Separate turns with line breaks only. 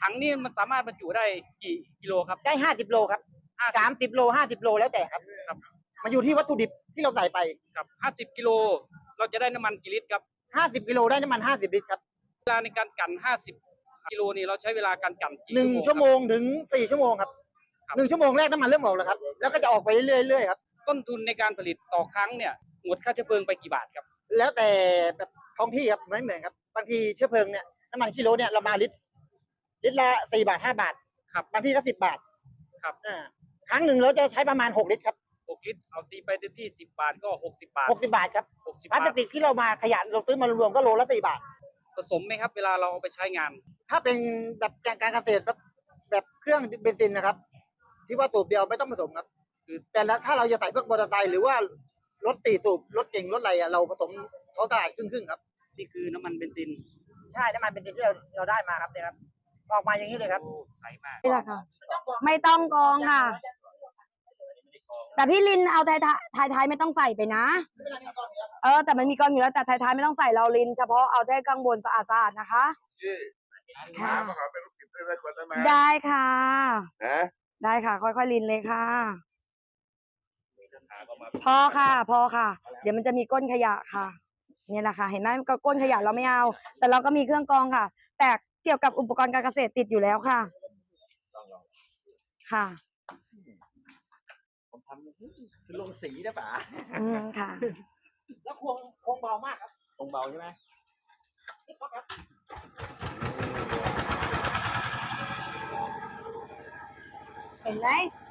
ถังนี่มันสามารถบรรจุได้กี่กิโลครับ
ได้50 โลครับ30 โล50 โลแล้วแต่ครับมันอยู่ที่วัตถุดิบที่เราใส่ไป
ครับ50 กิโลเราจะได้น้ำมันกี่ลิตรครับ
50 กิโลได้น้ำมัน50 ลิตรครับ
เวลาในการกั่น50 กิโลนี่เราใช้เวลาการกั่นกี่
1 ชั่วโมงถึง4 ชั่วโมงครับ1 ชั่วโมงแรกน้ำมันเริ่มออกแล้วครับแล้วก็จะออกไปเรื่อยๆครับ
ต้นทุนในการผลิตต่อครั้งเนี่ยหมดค่าเชื้อเพลิงไปกี่บาทครับ
แล้วแต่แบบท้องที่ครับไม่เหมือนครับบางทีเชื้อเพลิงเนี่ยน้ำมันกิโลเนี่ยเรามาลิตรละ4 บาท5 บาท
ครับ
บางทีก็10 บาท
ครับ
ครั้งหนึ่งเราจะใช้ประมาณ6 ลิตรครับ
6 ลิตรเอาตีไปที่10 บาทก็60 บาท
60 บาทครับ
60
พลาสติกที่เรามาขยะเราซื้อมารวมก็โลละ4 บาท
ผสมไหมครับเวลาเราเอาไปใช้งาน
ถ้าเป็นแบบการเกษตรแบบเครื่องเบนซินนะครับที่ว่าสูบเดียวไม่ต้องผสมครับแต่ถ้าเราจะใส่พวกมอเตอร์ไซค์หรือว่ารถ4 สูบรถเก่งรถอะไรเราผสมท้องตลาดครึ่งครับ
นี่คือน้ำมันเบนซิน
ใช่น้ำมันเบนซินที่เราได้มาครับเนี่ยครับออกมาอย่างนี้เลยครับ
ใสมาก
นี่แหละค่ะไม่ต้องกองค่ะแต่พี่ลินเอาท้ายไม่ต้องใส่ไปนะแต่มันมีกองอยู่แล้วแต่ท้ายไม่ต้องใส่เราลินเฉพาะเอาได้ข้างบนสะอาดนะคะค่ะได้ค่ะได้ค่ะค่อยๆลินเลยค่ะพอค่ะเดี๋ยวมันจะมีก้นขยะค่ะเนี่ยแหละค่ะเห็นไหมก็ก้นขยะเราไม่เอาแต่เราก็มีเครื่องกรองค่ะแต่เกี่ยวกับอุปกรณ์การเกษตรติดอยู่แล้วค่ะค่ะ
ผมทำคือลงสีนะป๋า
ค่ะ
แล้วควงเบามากครับ
ควงเบาใช่ไหม
เห็นไหม